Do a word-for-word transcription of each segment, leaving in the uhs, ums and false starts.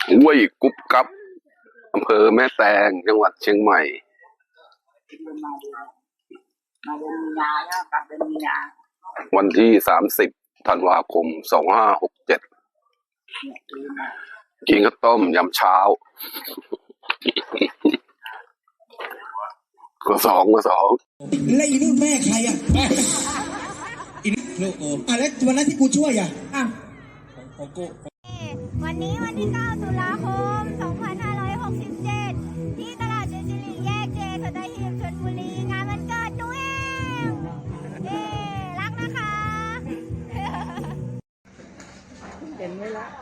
ห้วยกุ๊บกับอำเภอแม่แตงจังหวัดเชียงใหม่มาเดือนมาเดือนมีนาเนาะกลับเดือนมีนาวันที่สามสิบธันวาคมสองห้าหกเจ็ดกินข้าวต้มยำเช้าก็สองก็สองแล้วอีนู่นแม่ใครอ่ะอีนี่ลูกกูอ่ะแล้ววันนั้นที่กูช่วยอ่ะอ่ะของกูวันนี้วันที่เก้าตุลาคมสองพันห้าร้อยหกสิบเจ็ดที่ตลาดเจจิริแยกเจสัตหีบชลบุรีงานวันเกิดหนูเองเย้รักนะคะเห็นไหมล่ะ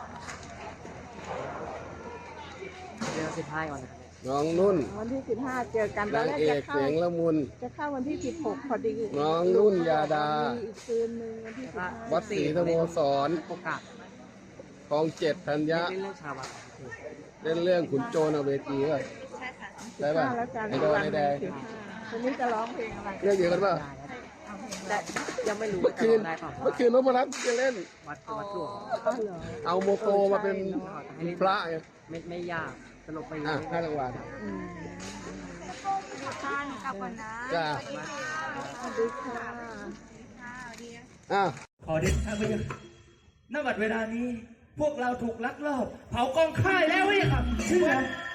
เดี๋ยวสิบห้าก่อนนะน้องนุ่นวันที่สิบห้าเจอกันตอนแรกจะเข้าเสียงละมุนจะเข้าวันที่สิบหกพอดีน้องนุ่นยาดาอีกคืนหนึ่งวันที่สิบห้าวัดศรีสโมสรโอกาสคลองเจ็ดธัญญะเล่นเรื่องชาวบ้านเล่นเรื่องขุนโจรเอาเวทีป่ะใช่ป่ะไอ้โดนไอ้แดงวันนี้จะร้องเพลงอะไรเรื่องเดียวกันป่ะแต่ยังไม่รู้เมื่อคืนเมื่อคืนนพรัตน์จะเล่นวัดวัดหลวงเอาโมโตมาเป็นพระไงไม่ไม่ยากสรุปไปอ่ะห้ารางวัลท่านกลับก่อนนะจ้าสวัสดีค่ะอ่ะขอเด็ดข้าพเจ้าณ บัดเวลานี้พวกเราถูกลักลอบเผากองค่ายแล้วเว้ยครับเชื่อ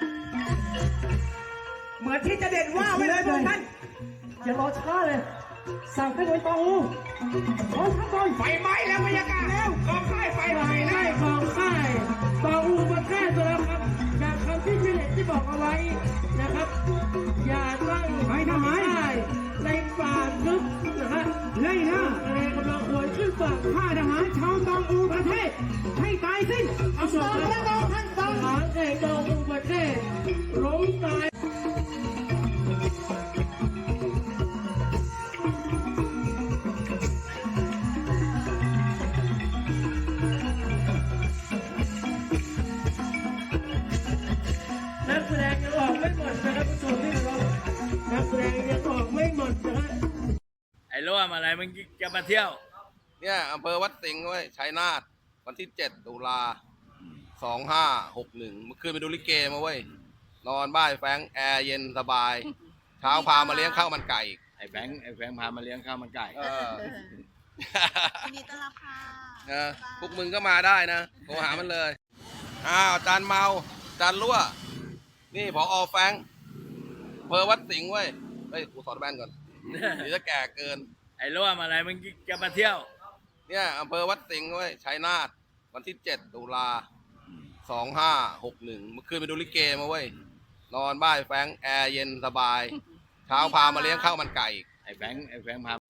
เหมือนที่จะเด็ดว่าไว้เลยพวกท่านอย่ารอช้าเลยสั่งให้หน่วยตองอูขอทั้งกองไฟไหม้แล้วบรรยากาศแล้วกองค่ายไฟไหม้แล้วกองค่ายตองอูมาแก้ตัวแล้วครับจากคำที่เจเน็ตที่บอกเอาไว้นะครับอย่าตั้งไปทำไมในป่าลึกนะฮะไล่ล่าอะไรกำลังหวยขึ้นฝั่งข้าทหารชาวตองอูประเทศให้ตายสิ้นเอาสองพระองค์ท่านทหารแห่งตองอูประเทศล้มตายนักแสดงยังออกไม่หมดนะครับผู้ชมที่เรานักแสดงยังออกไม่หมดนะฮะไอ้ร่วมอะไรมึงจะมาเที่ยวเนี่ยอำเภอวัดสิงห์เว้ยชัยนาทวันที่เจ็ดตุลาสองห้าหกหนึ่งเมื่อคืนไปดูลิเกมาเว้ยนอนบ้านแฟงแอร์เย็นสบายเช้าพามาเลี้ยงข้าวมันไก่ไอ้แฟงไอ้แฟงพามาเลี้ยงข้าวมันไก่เออยินดีต้อนรับค่ะเออพวกมึงก็มาได้นะโทรหามันเลยอ้าวจานเมาจานรั่วนี่ผอแฟงอำเภอวัดสิงห์เว้ยเฮ้ยกูถอดแว่นก่อนเดี๋ยวจะแก่เกินไอ้ร่วมอะไรมึงจะมาเที่ยวเนี่ยอำเภอวัดสิงห์เว้ยชัยนาทวันที่เจ็ดตุลาสองห้าหกหนึ่งเมื่อคืนไปดูลิเกมาเว้ยนอนบ้านแฟงแอร์เย็นสบายเช้าพามาเลี้ยงข้าวมันไก่ไอ้แฟงไอ้แฟงพา